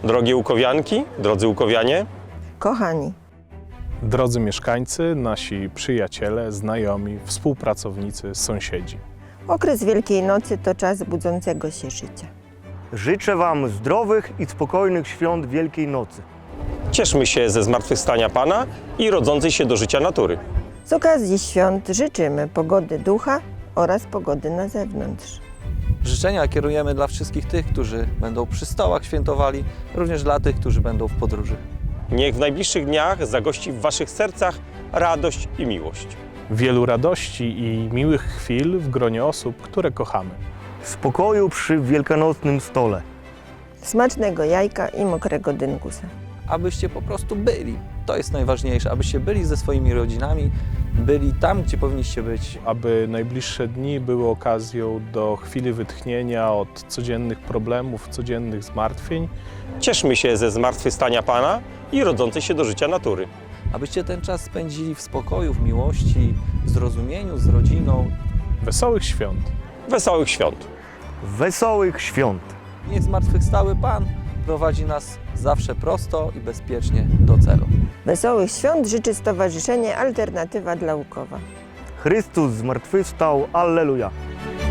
Drogie łukowianki, drodzy łukowianie, Kochani, Drodzy mieszkańcy, nasi przyjaciele, znajomi, współpracownicy, sąsiedzi. okres Wielkiej Nocy to czas budzącego się życia. Życzę Wam zdrowych i spokojnych świąt Wielkiej Nocy. cieszmy się ze zmartwychwstania Pana i rodzącej się do życia natury. Z okazji świąt życzymy pogody ducha oraz pogody na zewnątrz. Życzenia kierujemy dla wszystkich tych, którzy będą przy stołach świętowali, również dla tych, którzy będą w podróży. Niech w najbliższych dniach zagości w Waszych sercach radość i miłość. Wielu radości i miłych chwil w gronie osób, które kochamy. Spokoju przy wielkanocnym stole. Smacznego jajka i mokrego dynkusa. Abyście po prostu byli. To jest najważniejsze, abyście byli ze swoimi rodzinami, byli tam, gdzie powinniście być. Aby najbliższe dni były okazją do chwili wytchnienia od codziennych problemów, codziennych zmartwień. Cieszmy się ze zmartwychwstania Pana i rodzącej się do życia natury. Abyście ten czas spędzili w spokoju, w miłości, w zrozumieniu, z rodziną. Wesołych świąt! Wesołych świąt! Wesołych świąt! Niech zmartwychwstały Pan prowadzi nas zawsze prosto i bezpiecznie do celu. Wesołych świąt życzy Stowarzyszenie Alternatywa dla Łukowa. Chrystus zmartwychwstał, Alleluja!